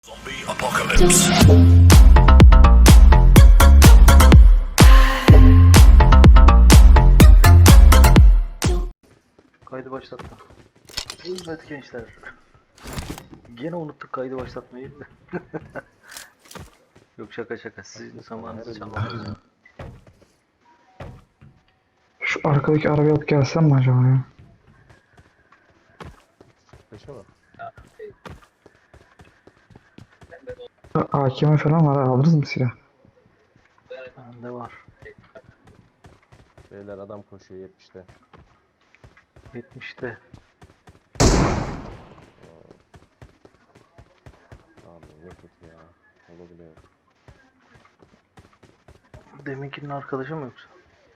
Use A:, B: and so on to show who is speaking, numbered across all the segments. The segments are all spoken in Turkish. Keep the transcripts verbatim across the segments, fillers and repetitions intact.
A: Zombie apocalypse.
B: Kaydı başlatma. Evet gençler. Gene unuttuk kaydı başlatmayı. Yok şaka şaka. Sizin zamanınızı çalmadım.
C: Şu arkadaki arabayı alıp gelsem mi acaba ya?
D: Peşe mi?
C: A K M falan var, alırız mı silah?
B: Bende var.
D: Beyler adam koşuyor yetmişte.
B: yetmişte.
D: Abi ne kötü ya. Olabiliyor.
B: Deminkinin arkadaşı mı yoksa?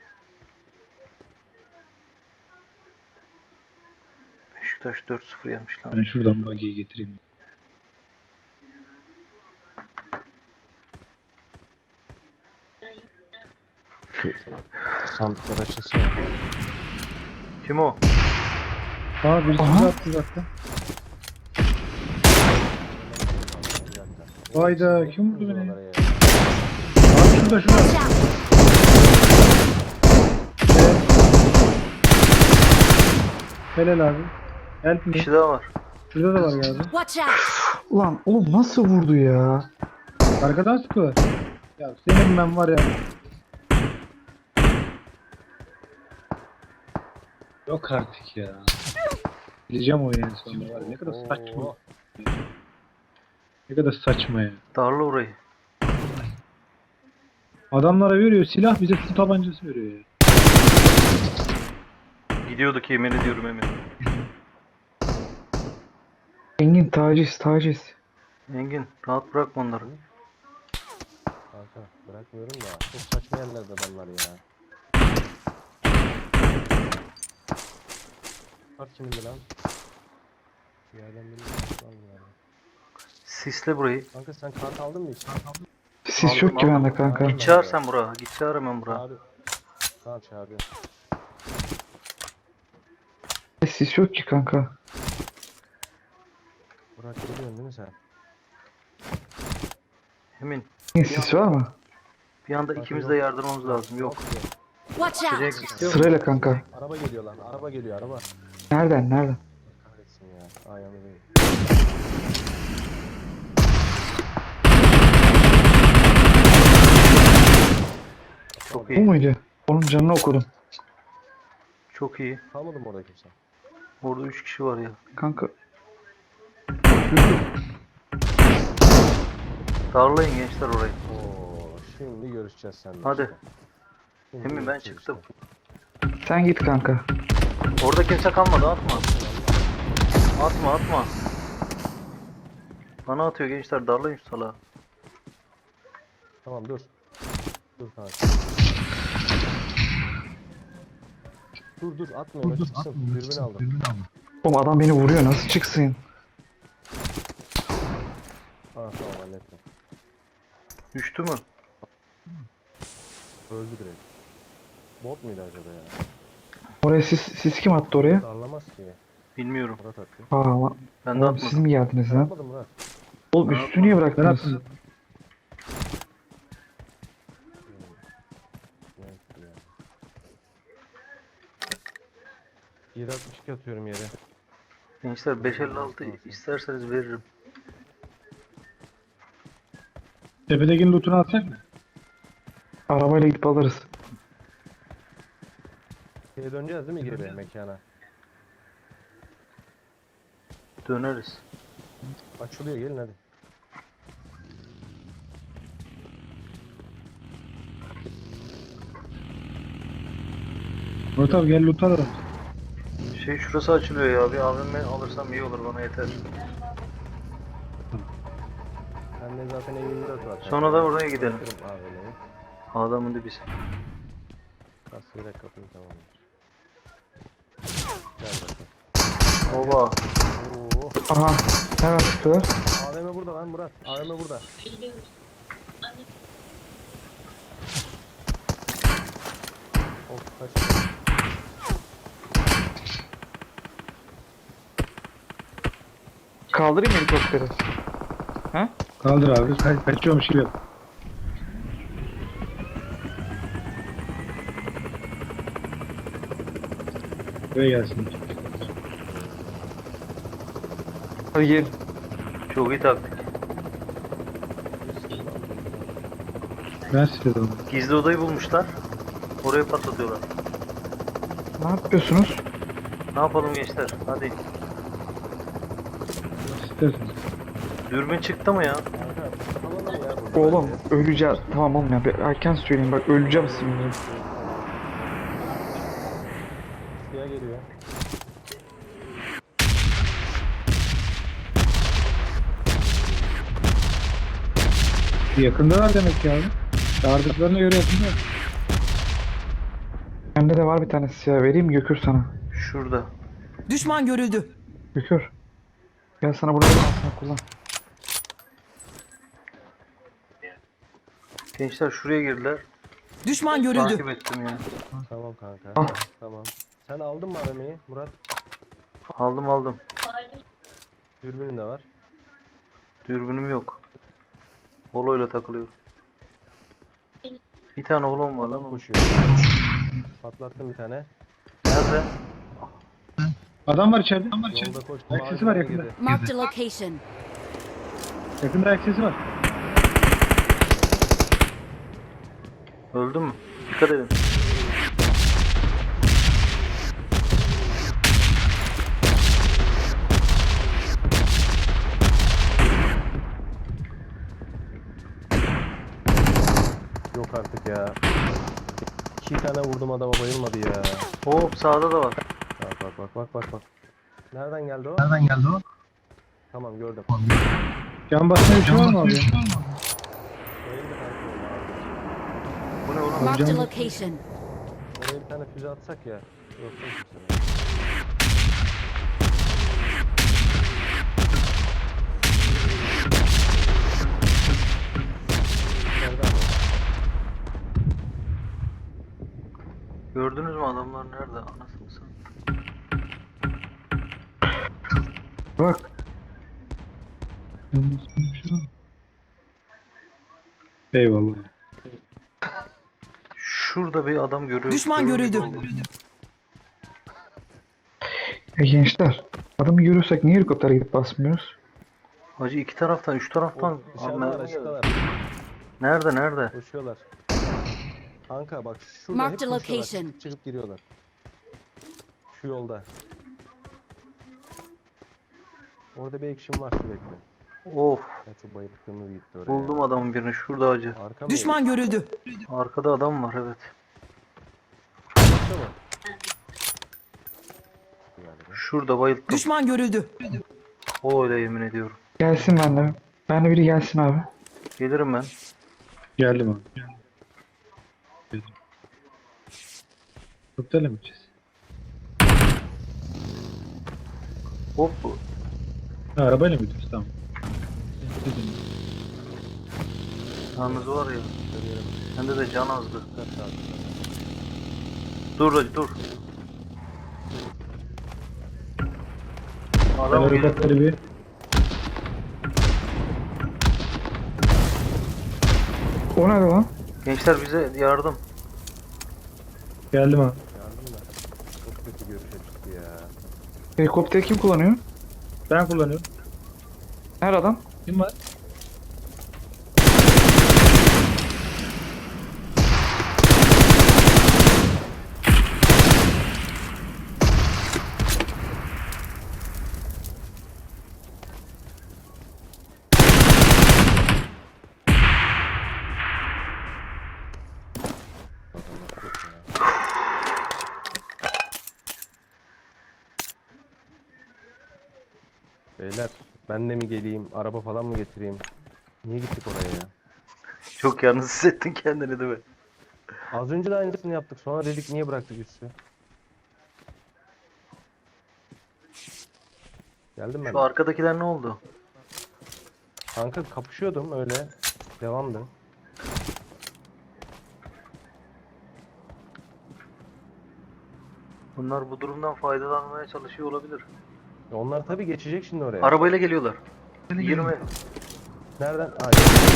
B: Beşiktaş dört sıfır yemiş lan.
E: Ben şuradan bagiyi getireyim.
D: Sandıklar açılsın ya.
B: Kim o?
E: Aa birisi
C: Aha.
E: bizi attı zaten.
D: Bir dakika.
E: Vayda kim vurdu beni?
D: Oralara ya.
E: Abi şurada şurada. Helal abi. Help
B: Bir
E: me.
B: kişi daha var.
E: Şurada da var galiba.
F: Watch out!
C: Ulan oğlum nasıl vurdu ya?
E: Arkadan sıkıyorlar. Ya senin ben var ya. Yok artık ya. Bileceğim o yani sonunda var. Ne kadar saçma.
D: Oo.
E: Ne kadar saçma ya.
B: Darla orayı.
E: Adamlara veriyor silah, bize su tabancası veriyor ya.
B: Gidiyorduk yemin ediyorum Emin.
C: Engin taciz taciz.
B: Engin rahat bırakma onları.
D: Kanka bırakmıyorum da. Çok saçma yerlerde adamlar ya. Kart kimindi lan? Bir yerden birini kart var mı yani?
B: Sisle burayı.
D: Kanka sen kart aldın mı hiç?
C: Sis
B: Aldım,
C: yok ki
B: aldım.
C: bende kanka.
B: Git çağır sen buraya. Git çağır hemen buraya.
D: Abi. Tamam çağırıyor.
C: Sis yok ki kanka.
D: Burak geliyorsun değil mi sen?
B: Emin.
C: Engin sis var mı?
B: Bir anda ikimiz de yardırmamız lazım. Yok.
D: Yok.
F: Watch
B: Direkt
F: out!
B: istiyor musun?
C: Sırayla kanka.
D: Araba geliyor lan. Araba geliyor araba.
C: Nereden nereden?
D: Kahretsin ya. Ayağımı değil.
B: Çok
C: Bu
B: iyi.
C: muydu? Onun canını okudum.
B: Çok iyi.
D: Kalmadı mı orada kimse?
B: Orada üç kişi var ya.
C: Kanka
B: Darlayın gençler orayı.
D: Oo, şimdi görüşeceğiz seninle.
B: Hadi.
D: işte. Şimdi
B: Emin ben
D: görüşeceğiz
B: çıktım.
D: işte.
C: sen git kanka.
B: Orada kimse kalmadı, atma. Atma atma. Bana atıyor gençler, darlayın şu salağı.
D: Tamam dur. Dur kanka. Dur dur atma öyle çıksın. Dürbün aldım.
C: Oğlum adam beni vuruyor, nasıl çıksın?
D: Ha tamam hallettim.
B: Düştü mü?
D: Öldü direkt. Bot muydu acaba ya?
C: Oraya sis, sis kim attı oraya?
D: Darlamaz ki.
B: Bilmiyorum.
D: Murat attı.
C: Aa ama
B: Ben de
C: oğlum siz
B: atmadım.
C: mi geldiniz lan?
D: Yapmadım Murat.
C: Oğlum üstü niye
E: Ben
C: bıraktınız?
E: attım.
D: Ne ya? yedi altmış iki atıyorum yere.
B: Gençler beş elli altı isterseniz veririm.
E: Tepedekinin lootunu atacak mı?
C: Arabayla gidip alırız.
D: Şeye döneceğiz değil mi geri mekana?
B: Döneriz.
D: Açılıyor gelin hadi.
E: Murat abi gel loot alalım.
B: Şey şurası açılıyor ya. Bir A V M alırsam iyi olur, bana yeter.
D: Bende zaten yirmi dört var.
B: Sonra da oraya gidelim.
D: Bırakırım A V M'yi.
B: Adamın dibisi.
D: Kasayla kapıyı tamamlar. Gel bakalım.
B: Oba.
D: Oo.
C: Aha hemen çıktılar.
D: A V M burada lan Murat. A V M burada. Of kaç.
C: Kaldırayım helikopteri. He?
E: Kaldır abi. Ka- kaçıyormuş gibi yap. Buraya gelsin.
C: Hadi gel.
B: Çok iyi taktik.
E: Ben size de onu.
B: Gizli odayı bulmuşlar. Oraya patlatıyorlar.
C: Ne yapıyorsunuz?
B: Ne yapalım gençler? Hadi.
E: İsterseniz.
B: Dürbün çıktı mı ya?
D: Kanka kapatalım ya burada.
C: Oğlum öleceğiz. Tamam oğlum ya. Bir erken söyleyeyim bak öleceğim şimdi.
D: Suya geliyor.
E: Yakındalar demek ki abi. Çağırdıklarına göre yakındalar.
C: Bende de var bir tanesi ya. Vereyim mi Gökür sana?
B: Şurada.
A: Düşman görüldü.
C: Gökür. Gel sana burada bir kullan.
B: Gençler şuraya girdiler.
A: Düşman görüldü.
B: Takip ettim ya.
D: Tamam kanka.
C: Al.
D: Tamam. Sen aldın mı aramayı Murat?
B: Aldım aldım.
D: Dürbünün de var.
B: Dürbünüm yok. Holo'yla takılıyor. Bir tane holom var lan.
D: Adam
B: onun.
D: koşuyor. Patlattım bir tane.
B: Nerede?
E: Adam var içeride. Adam var içeride.
D: Yolda koş.
E: Ayak sesi var yakında.
A: Marked a location.
E: Yakında ayak sesi var.
B: Öldü mü? Dikkat edin.
D: Yok artık ya. İki tane vurdum adama bayılmadı ya.
B: Hop sağda da var.
D: Bak bak bak bak bak bak. Nereden geldi o?
E: Nereden geldi o?
D: Tamam gördüm.
E: Can basmaya bir şey var mı abi?
D: Bayıldı kanka o mavi.
B: Bu ne oğlum?
A: Marked a
E: canım.
A: location.
D: Oraya bir tane füze atsak ya. Yok yok kimse. Nereden var?
B: Gördünüz mü adamlar nerede? Anasını satayım.
C: Bak.
E: Eyvallah.
B: Şurada bir adam görüyorum.
A: Düşman görüldü.
C: Ya gençler. Adamı görürsek niye helikoptere gidip basmıyoruz?
B: Hacı iki taraftan, üç taraftan.
D: O, dışarıdalar
B: Abi, nerede?
D: açıktalar.
B: Nerede nerede?
D: Koşuyorlar. Kanka bak şurada hep
A: Marked a
D: koşuyorlar.
A: location.
D: Çıkıp, çıkıp giriyorlar. Şu yolda. Orada bir action var sürekli.
B: Of.
D: Ya çok bayılttığımız gitti oraya.
B: Buldum adamın birini şurada hacı.
D: Arka mı?
A: Düşman görüldü.
B: Arkada adam var evet.
D: Arka mı? Galiba.
B: Şurada bayılttım.
A: Düşman görüldü.
B: O öyle yemin ediyorum.
C: Gelsin bende. Bende biri gelsin abi.
B: Gelirim ben.
E: Geldim abi. Geldim. Helikopterle mi gideceğiz?
B: Hop.
E: Ha, arabayla mı gidiyoruz? Tamam.
B: Yalnız var ya.
D: Görüyorum.
B: Sende de can azdı.
D: Kaç saat?
B: Dur hacı dur.
E: Ben
B: Adam geliyor.
E: helikopteri bir...
C: O nerede lan?
B: Gençler bize yardım.
E: Geldim abi.
D: Yardım da. Çok kötü görüş açısı ya.
C: Helikopteri kim kullanıyor?
E: Ben kullanıyorum.
C: Nerede adam?
E: Kim var?
D: Adamlar çok ya. Beyler ben de mi geleyim? Araba falan mı getireyim? Niye gittik oraya ya?
B: Çok yalnız hissettin kendini değil mi?
D: Az önce de aynısını yaptık. Sonra dedik niye bıraktık üstü? Geldim ben.
B: Şu arkadakiler ne oldu?
D: Kanka kapışıyordum öyle. Devamdı.
B: Bunlar bu durumdan faydalanmaya çalışıyor olabilir.
D: Onlar tabii geçecek şimdi oraya.
B: Arabayla geliyorlar. yirmi.
D: Nereden? Aa,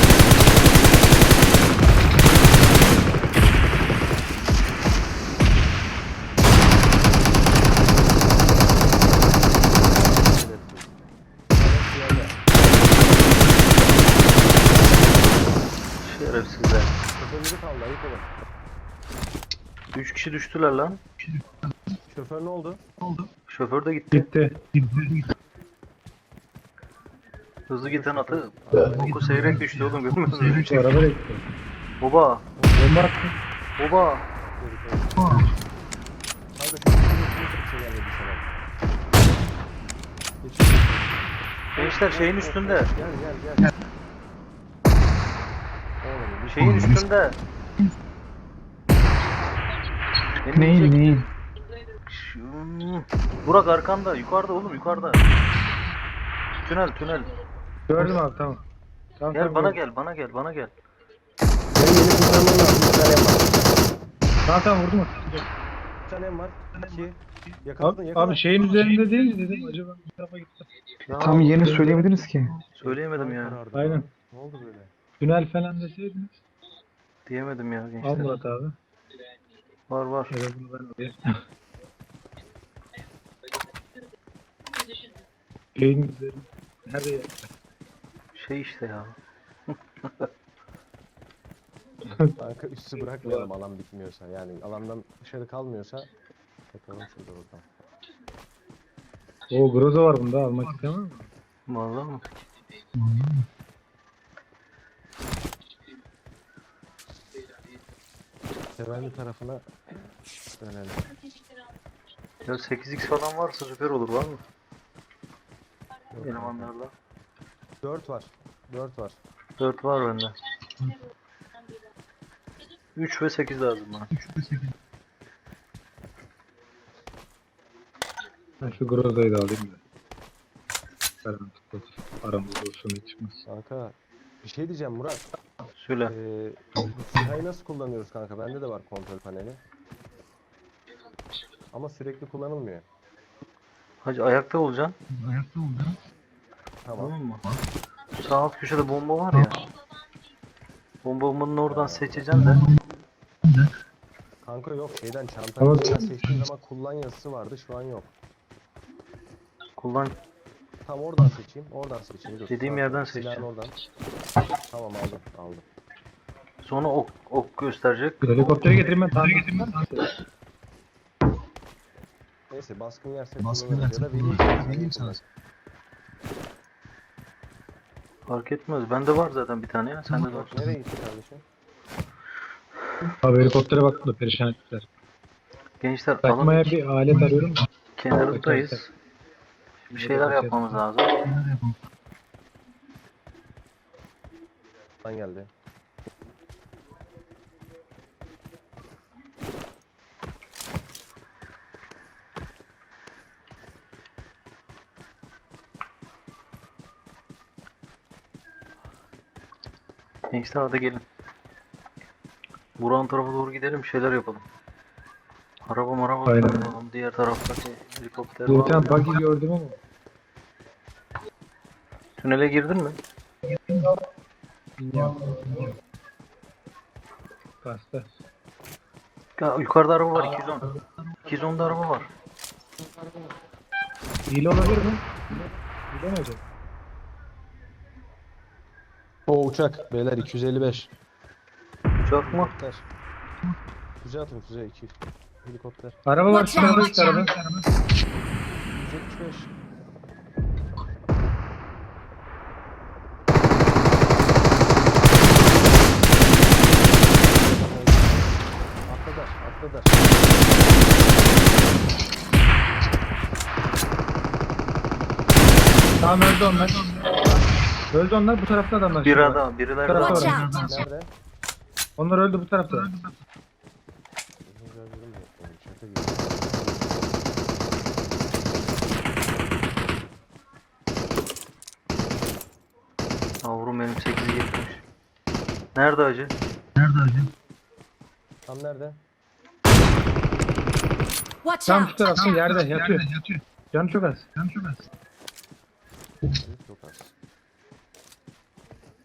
B: Şerefsizler.
D: şoförleri kaldı, ayıp olun.
B: Üç kişi düştüler lan.
D: Şoför ne oldu?
B: Şoför de gitti.
C: Gitti.
B: Hızlı giden atı boku seyrek düştü oğlum, görmüyor musun?
E: Şu araba da gitti.
B: Baba.
E: Bomba attı.
B: Baba.
D: Kanka şu bir şey gelmedi sana. Geçiyor.
B: Gençler şeyin üstünde.
D: Gel gel gel. Oğlum bir şey
B: Şeyin üstünde. Beni
C: Neyin
B: yiyecek.
C: neyin?
B: Şu- Burak arkanda, yukarıda oğlum, yukarıda. Tünel tünel.
E: Gördüm abi tamam. Tamam,
B: Gel
E: tamam,
B: bana
E: gördüm.
B: gel, bana gel, bana gel.
D: Benim yeni kurtarmam lazım. Bir tanem var.
E: Tamam tamam vurdum.
D: Bir tanem var. İki. Yakaladın
E: Abi,
D: yakaladın.
E: abi şeyin üzerinde değil dedim. Acaba bu tarafa gitti.
B: Ya,
C: Tam yerini söyleyemediniz ki.
B: söyleyemedim ya.
D: Karardı.
E: Aynen.
D: Ne oldu böyle?
E: Tünel falan deseydiniz.
B: Diyemedim ya
E: Al
B: gençler.
E: Murat abi.
B: Var var.
E: Evet bunu ben alayım. Şeyin üzerinde. Nerede ya?
B: Şey işte ya.
D: Kanka üstü bırakmayalım alan bitmiyorsa. Yani alandan dışarı kalmıyorsa bakalım şurada bakalım.
E: O Groza var bunda, almak istemem mi?
B: Vallahi mı?
D: Sevenli tarafına dönelim.
B: Ya sekiz x falan varsa süper olur, var mı?
D: Yok,
B: Elemanlarla.
D: dört var. dört var.
B: dört var bende. üç ve sekiz lazım bana.
E: Ben şu Groza'yı da alayım da. Karanlık olsun. Aramızda olsun hiç çıkmaz.
D: Kanka bir şey diyeceğim Murat.
B: Söyle.
D: Ee, bu SİHA'yı nasıl kullanıyoruz kanka? Bende de var kontrol paneli. Ama sürekli kullanılmıyor.
B: Hacı ayakta olacaksın.
D: Tamam.
B: Tamam mı? Sağ alt köşede bomba var ya. Bomba bombanın oradan seçeceksin de.
D: Kanka yok şeyden çantanın
E: Tamam.
D: içinden seçtiğim zaman kullan yazısı vardı, şu an yok.
B: Kullan.
D: Tam oradan seçeyim, oradan seçeyim. Dur,
B: Dediğim
D: sağ-
B: yerden
D: silahın
B: seçeceğim.
D: oradan. Tamam aldım, aldım.
B: Sonra ok, ok gösterecek.
E: Helikopteri getireyim ben. Tamam.
D: Neyse baskın yerse kullanırız ya da vereyim sana. Vereyim sana.
B: Fark etmez. Bende var zaten bir tane ya. Sende de var.
D: Nereye gitti kardeşim?
E: Abi helikoptere baktım da perişan ettiler.
B: Gençler alın.
E: Takmaya bir alet arıyorum da.
B: Kenarındayız. Bir şeyler yapmamız lazım.
D: Lan geldi.
B: Gençler hadi gelin. Buran tarafa doğru gidelim, bir şeyler yapalım. Araba maraba
E: Aynen.
B: yapalım. Diğer taraftaki helikopter
E: Bir
B: var.
E: tane buggy gördüm ama.
B: Tünele girdin mi?
E: Bilmiyorum. Bastı.
B: Ya, yukarıda araba var, iki yüz on. iki yüz onda araba var.
E: Hile olabilir mi? Hile mi acaba?
D: O uçak beyler iki yüz elli beş.
B: Uçak mı?
D: Helikopter. Füze atın füze iki yüz. Helikopter.
E: Araba var.
A: Watch out,
E: Şurada işte araba.
D: yüz yetmiş beş. Atladılar, atladılar.
E: Tamam öldü onlar. Öldü onlar, bu tarafta adamlar.
B: Bir
E: şimdi.
B: adam, birileri
E: Tarafta
A: Watch
B: var.
E: var.
A: out!
D: Nerede?
E: Onlar öldü bu tarafta.
D: Şaka gibi.
B: Yavrum benim sekizi geçmiş. Nerede acı?
D: Tam nerede?
A: Watch
E: Tam
A: out!
E: şu tarafta yerde yatıyor. Canı çok az. Canı çok az.
D: Çok az.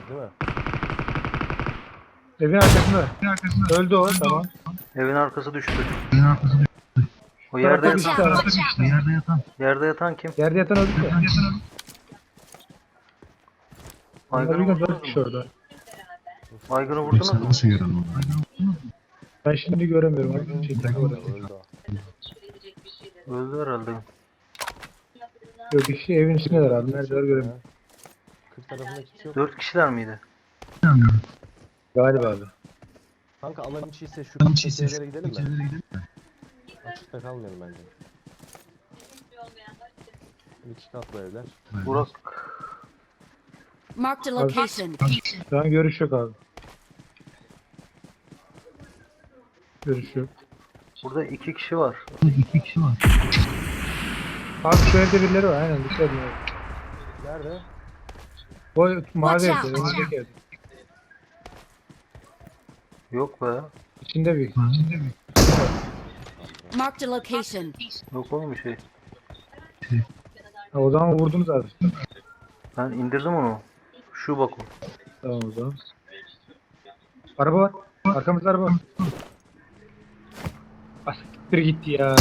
D: değil mi?
C: Evin arkasında. Öldü o, tamam.
B: Evin arkası düştü. O
C: Bu
B: yerde
C: tarafta bir
B: yatan,
C: kişi daha var.
B: yerde yatan kim?
C: Yerde yatan öldü de. Onlar bir
B: Aygın'ı
C: gün
B: vurdunuz
C: dört kişi
B: mu?
C: orada.
B: Aygın'ı vurdunuz mu?
C: Ben şimdi göremiyorum. Abi. Şey, tek orada.
D: Öldü o.
B: Öldü herhalde.
C: Yok kişi evin içindeler abi. Neredeler göremiyorum.
D: kırk tarafında kimse yok.
B: Dört kişiler miydi?
C: Galiba abi.
D: Kanka alan içi ise şu küçük evlere gidelim mi? Açıkta kalmayalım bence. İki katlı evler.
B: Burak.
A: Marked a location.
C: Şu an görüş yok abi. Görüş yok.
B: Burada iki kişi var.
C: Abi şu evde birileri var. Aynen dışarıda.
D: Nerede?
C: O mavi
A: Watch
C: evde.
A: out.
C: Önündeki evde.
B: Yok be.
C: İçinde bir.
A: Marked a location.
B: Yok oğlum bir şey.
C: Ha, o zaman vurdunuz abi.
B: Ben indirdim onu. Şu bak o.
C: Tamam o zaman. Araba var. Arkamızda araba var. Asiktir gitti ya.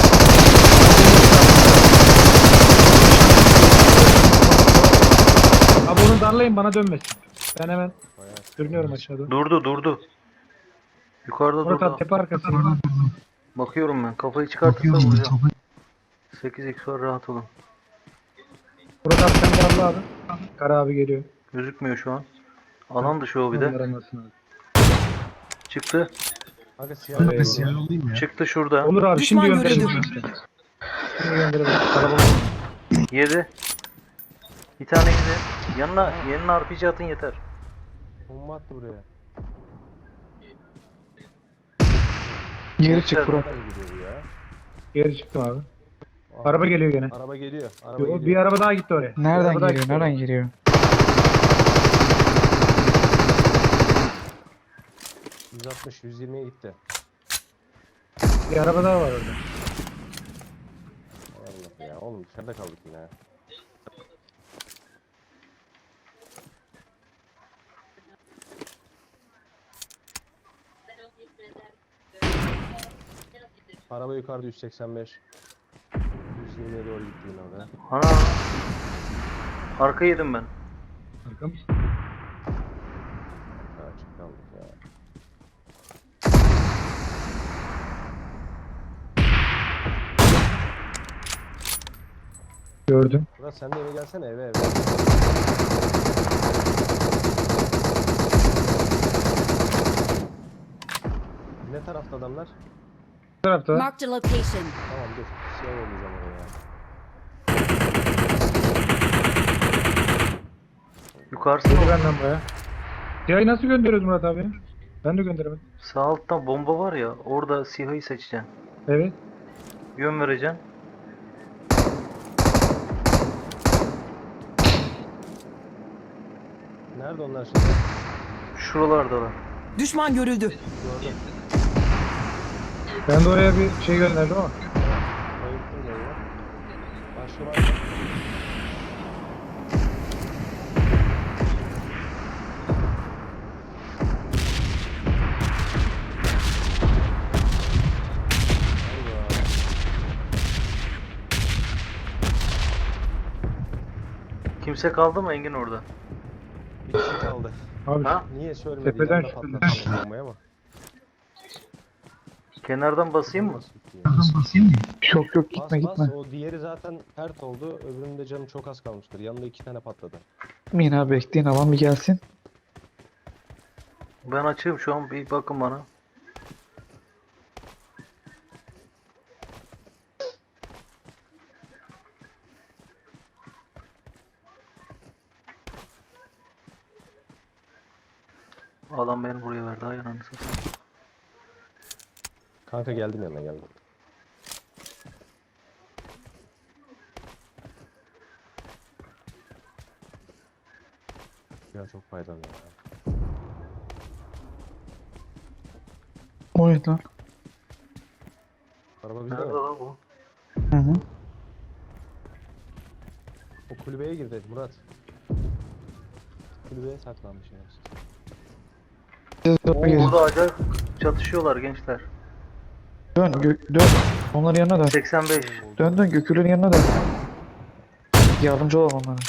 C: Abi onu darlayın bana dönmesin. Ben hemen
D: Bayağı.
C: sürünüyorum aşağıda.
B: Durdu durdu. Yukarıda
C: Murat
B: durdu.
C: abi tepe arkası.
B: Bakıyorum ben. Kafayı çıkartırsa vuracağım. sekiz x var, rahat olun.
C: Murat abi sen darla abi. Kara abi geliyor.
B: Gözükmüyor şu an. Alan dışı o bir de.
C: Onlar anlasın abi.
B: Çıktı.
D: Kanka siyah
C: Evet.
D: siyah.
B: Çıktı şurada.
C: Olur abi
A: Düşman
C: şimdi gönderelim.
A: görüldü.
C: Şimdi gönderelim. Araba
B: Yedi. Bir tane yedi. Yanına, yanına R P G atın yeter.
D: Bomba attı buraya.
C: geri çık Murat.
D: Nereden gidiyor bu ya?
C: Geri çıktım abi.
D: Aa,
C: Araba geliyor gene.
D: Araba geliyor. Araba
C: Yo,
D: geliyor.
C: bir araba daha gitti oraya. Bir
F: Nereden
C: araba daha
F: geliyor?
C: gitti
F: Nereden
C: oraya.
F: geliyor?
D: yüz altmış yüz yirmiye gitti.
C: Bir araba daha var orada.
D: Hay Allah ya. Oğlum dışarıda kaldık yine. ya. Araba yukarıda yüz seksen beş. yüz yirmiye doğru gitti yine oraya.
B: Ana. Arka yedim ben.
C: Arkam.
D: Ha, açık kaldık ya.
C: Gördüm.
D: Murat sen de eve gelsene eve eve. Ne tarafta adamlar?
C: Bu tarafta var.
A: Marked a location.
D: Tamam dur. Siyah yollayacağım oraya.
B: Yukarısı
C: Geliyor
B: mı?
C: benden baya. Siyahı nasıl gönderiyoruz Murat abi? Ben de gönderemedim.
B: Sağ alttan bomba var ya. Orada siyahı seçeceksin.
C: Evet.
B: Yön vereceksin.
D: Nerede onlar şimdi?
B: Şuralardalar.
A: Düşman görüldü.
D: Gördüm.
C: Ben de oraya bir şey gönderdim ama.
D: Bayılttım da ya. Başka var mı? Allah.
B: Kimse kaldı mı Engin orada?
D: Bir kişi kaldı.
C: Abi
B: Ha?
D: Niye söylemedi?
C: Tepeden
D: Yanında
C: şüpheli.
D: patlattı bombayı ama.
B: Kenardan basayım mı?
D: Nasıl bitti ya?
C: yok yok
D: Bas
C: gitme
D: bas.
C: gitme.
D: O diğeri zaten pert oldu. Öbürünün de canı çok az kalmıştır. Yanında iki tane patladı.
C: Min abi bekleyin alan bir gelsin.
B: Ben açığım şu an, bir bakın bana. Adam beni buraya verdi. Ay ananı satayım.
D: Kanka geldim yanına geldim. Ya çok faydalı ya.
F: O ne lan?
D: Araba bizde
B: Nerede
D: mi?
B: lan bu?
F: Hı hı.
D: O kulübeye girdi Murat. kulübeye saklanmış yani.
C: Siz
B: Oo,
C: de gezin.
B: burada acayip çatışıyorlar gençler.
C: Dön, gö- dön. Onların yanına dön.
B: seksen beş.
C: Dön dön Gökül'ün yanına dön. Yardımcı olalım onlara.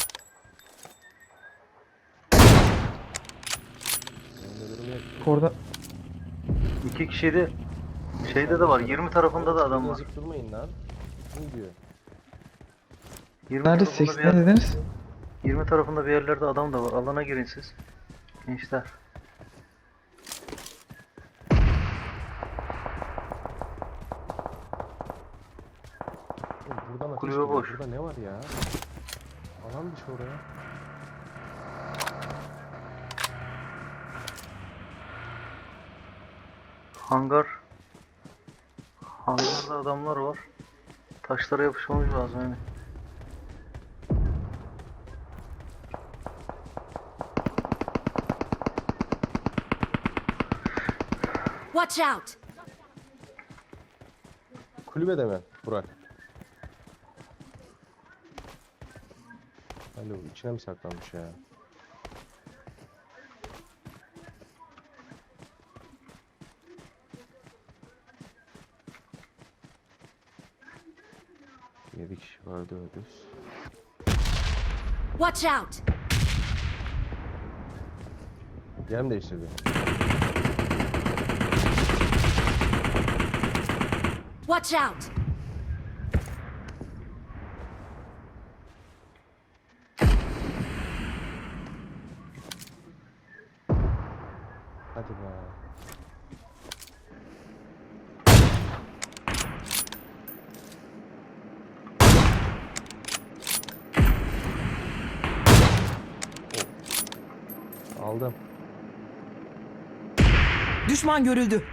D: Benim de durum yok.
C: Orada
B: İki kişiydi. Şeyde de var. yirmi tarafında da adam var.
D: Yazık durmayın lan. Ne diyor?
B: yirmi
C: nerede?
B: tarafında bir
C: seksen
B: yer-
C: dediniz?
B: yirmi tarafında bir yerlerde adam da var. Alana girin siz. Gençler.
D: Oğlum buradan ateş
B: Kulübe
D: geliyor.
B: boş.
D: Burada ne var ya? Alan dışı oraya.
B: Hangar. Hangarda adamlar var. Taşlara yapışmamız lazım yani.
A: Watch out!
D: Kulübede mi Burak? Alo içine mi saklanmış ya? Yedi kişi vardı öldü.
A: Watch out!
D: Yer mi değiştirdi?
A: Watch out!
D: Hadi be. Oh. Aldım.
A: Düşman görüldü.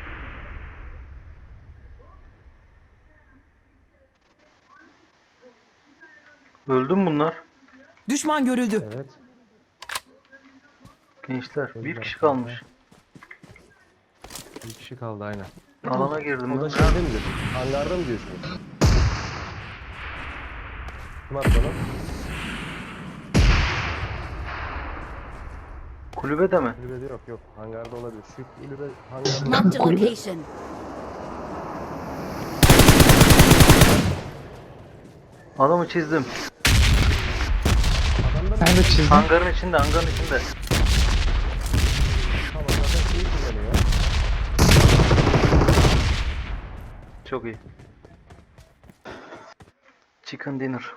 B: Öldü mü bunlar?
A: Düşman görüldü.
D: Evet.
B: Gençler. Bir
D: Öldüler
B: kişi
D: kanka.
B: kalmış.
D: Bir kişi kaldı aynen.
B: Alana girdim.
D: O da
B: ben.
D: şeyde mi diyorsun? Hangarda mı diyorsunuz? Kim attı onu?
B: Kulübede mi?
D: Kulübede yok yok. Hangarda olabilir. Şu kulübe hangarda.
A: Marked a
C: Kulübe.
A: location.
B: Adamı çizdim.
D: Adamda mı?
C: ben de çizdim.
B: Hangarın içinde, hangarın içinde.
D: Tamam zaten şeyi kullanıyor.
B: Çok iyi. Chicken dinner.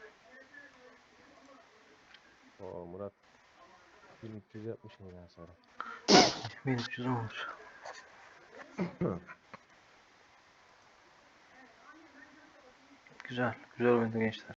D: Oo Murat. bin üç yüz yapmışsın ya sonra.
B: bin üç yüz olmuş. Güzel. Güzel oyundu gençler.